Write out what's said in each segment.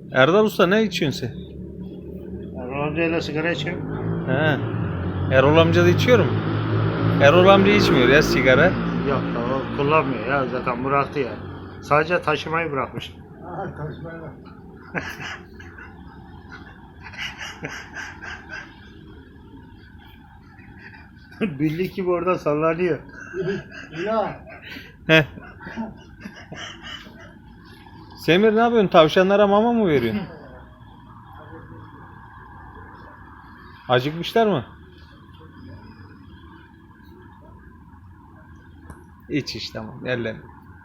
Erdal Usta ne içiyorsun sen? Erol amcayla sigara içiyorum. He. Erol amca da içiyor mu? Erol amca içmiyor ya sigara. Yok o kullanmıyor ya, zaten bıraktı ya. Sadece taşımayı bırakmış. Aha taşmayla. Bildik gibi orada sallanıyor. Ya Heh. Semir ne yapıyorsun? Tavşanlara mama mı veriyorsun? Acıkmışlar mı? İç tamam. Yerlerini.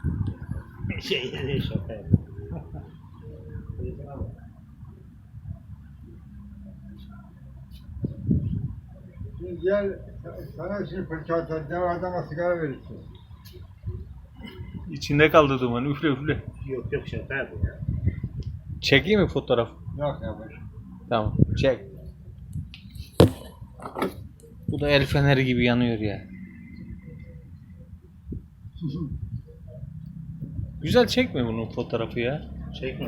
Şaka yapıyor. şimdi gel sana şimdi fırça atacağım adama sigara verirsin. İçinde kaldı duman. Üfle üfle. Yok yok, şaka yapıyor ya. Çekeyim mi fotoğraf? Yok yavaş. Tamam. Çek. Bu da el feneri gibi yanıyor ya. Güzel çekme bunun fotoğrafı ya. Çekme.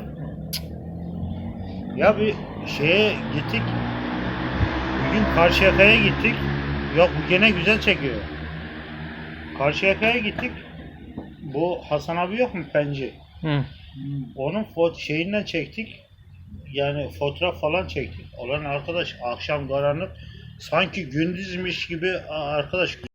Ya bir şeye gittik. Bir gün Karşıyaka'ya gittik. Yok bu gene güzel çekiyor. Karşıyaka'ya gittik. Bu Hasan abi yok mu, Penci? Hı. Onun şeyinden çektik. Yani fotoğraf falan çektik. Olan arkadaş akşam karanlık sanki gündüzmüş gibi arkadaş